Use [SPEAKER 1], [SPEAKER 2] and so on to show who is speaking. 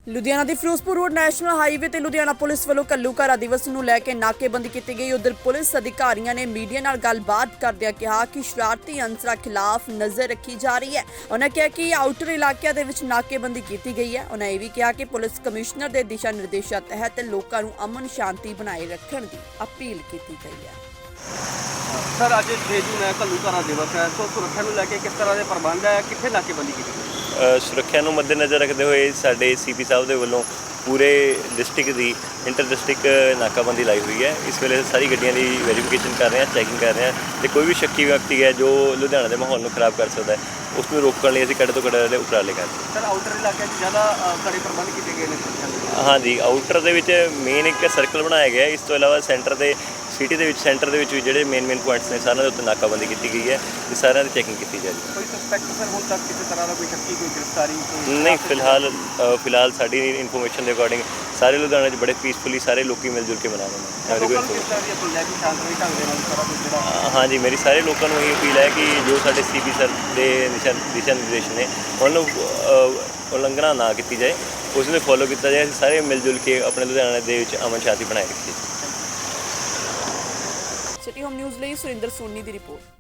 [SPEAKER 1] ਲੁਧਿਆਣਾ ਦੇ Firozpur road national highway ਤੇ Ludhiana police ਵੱਲੋਂ ਘੱਲੂਘਾਰਾ ਦਿਵਸ ਨੂੰ ਲੈ ਕੇ ਨਾਕੇਬੰਦੀ ਕੀਤੀ ਗਈ। ਉਧਰ ਪੁਲਿਸ ਅਧਿਕਾਰੀਆਂ ਨੇ ਮੀਡੀਆ ਨਾਲ ਗੱਲਬਾਤ ਕਰਦਿਆਂ ਕਿਹਾ ਕਿ ਸ਼ਰਾਰਤੀ ਅਨਸਰਾਂ ਖਿਲਾਫ ਨਜ਼ਰ ਰੱਖੀ ਜਾ ਰਹੀ ਹੈ। ਉਹਨਾਂ ਕਿਹਾ ਕਿ ਆਊਟਰ ਇਲਾਕਿਆਂ ਦੇ ਵਿੱਚ ਨਾਕੇਬੰਦੀ ਕੀਤੀ ਗਈ ਹੈ। ਉਹਨਾਂ ਇਹ ਵੀ ਕਿਹਾ ਕਿ ਪੁਲਿਸ ਕਮਿਸ਼ਨਰ ਦੇ ਦਿਸ਼ਾ ਨਿਰਦੇਸ਼ਾਂ ਤਹਿਤ ਲੋਕਾਂ ਨੂੰ ਅਮਨ ਸ਼ਾਂਤੀ ਬਣਾਏ ਰੱਖਣ ਦੀ ਅਪੀਲ ਕੀਤੀ ਗਈ ਹੈ।
[SPEAKER 2] सर अज 6 जून है, घल्लूघारा दिवस है, तो सुरक्षा को लैके किस तरह के प्रबंध है, कितने नाकेबंदी की गई?
[SPEAKER 3] ਸੁਰੱਖਿਆ ਨੂੰ ਮੱਦੇਨਜ਼ਰ ਰੱਖਦੇ ਹੋਏ ਸਾਡੇ ਸੀਪੀ ਸਾਹਿਬ ਦੇ ਵੱਲੋਂ ਪੂਰੇ ਡਿਸਟ੍ਰਿਕਟ ਦੀ ਇੰਟਰ ਡਿਸਟ੍ਰਿਕਟ ਨਾਕਾਬੰਦੀ ਲਾਈ ਹੋਈ ਹੈ। ਇਸ ਵੇਲੇ ਸਾਰੀ ਗੱਡੀਆਂ ਦੀ ਵੈਰੀਫਿਕੇਸ਼ਨ ਕਰ ਰਹੇ ਹਾਂ, ਚੈਕਿੰਗ ਕਰ ਰਹੇ ਹਾਂ ਤੇ ਕੋਈ ਵੀ ਸ਼ੱਕੀ ਵਿਅਕਤੀ ਹੈ ਜੋ ਲੁਧਿਆਣਾ ਦੇ ਮਾਹੌਲ ਨੂੰ ਖਰਾਬ ਕਰ ਸਕਦਾ ਹੈ ਉਸ ਨੂੰ ਰੋਕਣ ਲਈ ਅਸੀਂ ਕੱਢ ਤੋਂ ਕੱਢ ਵਾਲੇ ਉਪਰਾਲੇ ਕਰ ਰਹੇ
[SPEAKER 2] सर आउटर इलाके ज़्यादा कड़े प्रबंध किए गए हैं?
[SPEAKER 3] ਹਾਂ। ਹਾਂਜੀ, ਆਊਟਰ ਦੇ ਵਿੱਚ ਮੇਨ ਇੱਕ ਸਰਕਲ ਬਣਾਇਆ ਗਿਆ। ਇਸ ਤੋਂ ਇਲਾਵਾ ਸੈਂਟਰ ਦੇ ਸਿਟੀ ਦੇ ਵਿੱਚ ਸੈਂਟਰ ਦੇ ਵਿੱਚ ਵੀ ਜਿਹੜੇ ਮੇਨ ਪੁਆਇੰਟਸ ਨੇ ਸਾਰਿਆਂ ਦੇ ਉੱਤੇ ਨਾਕਾਬੰਦੀ ਕੀਤੀ ਗਈ ਹੈ ਤੇ ਸਾਰਿਆਂ ਦੀ ਚੈਕਿੰਗ ਕੀਤੀ ਜਾ ਰਹੀ ਹੈ।
[SPEAKER 2] कोई सस्पेक्ट सर हुण तक किसी तरह का कोई शक्की कोई गिरफ्तारी
[SPEAKER 3] ਨਹੀਂ, ਫਿਲਹਾਲ ਸਾਡੀ ਇਨਫੋਰਮੇਸ਼ਨ ਦੇ ਅਕੋਰਡਿੰਗ ਸਾਰੇ ਲੁਧਿਆਣੇ 'ਚ ਬੜੇ ਪੀਸਫੁਲੀ ਸਾਰੇ ਲੋਕੀ ਮਿਲ ਜੁਲ ਕੇ ਮਨਾ ਰਹੇ ਨੇ। ਹਾਂਜੀ, ਮੇਰੀ ਸਾਰੇ ਲੋਕਾਂ ਨੂੰ ਇਹ ਅਪੀਲ ਹੈ ਕਿ ਜੋ ਸਾਡੇ ਸੀਪੀ ਸਰ ਦੇ ਦਿਸ਼ਾ ਨਿਰਦੇਸ਼ ਨੇ ਉਹਨਾਂ ਨੂੰ ਉਲੰਘਣਾ ਨਾ ਕੀਤੀ ਜਾਏ, ਉਸ ਨੂੰ ਫੋਲੋ ਕੀਤਾ ਜਾਏ। ਅਸੀਂ ਸਾਰੇ ਮਿਲ ਜੁਲ ਕੇ ਆਪਣੇ ਲੁਧਿਆਣੇ ਦੇ ਵਿੱਚ ਅਮਨ ਸ਼ਾਂਤੀ ਬਣਾਏ ਰੱਖੀਏ।
[SPEAKER 1] ਸਿਟੀ ਹੋਮ ਨਿਊਜ਼ ਲਈ ਸੁਰਿੰਦਰ ਸੋਨੀ ਦੀ ਰਿਪੋਰਟ।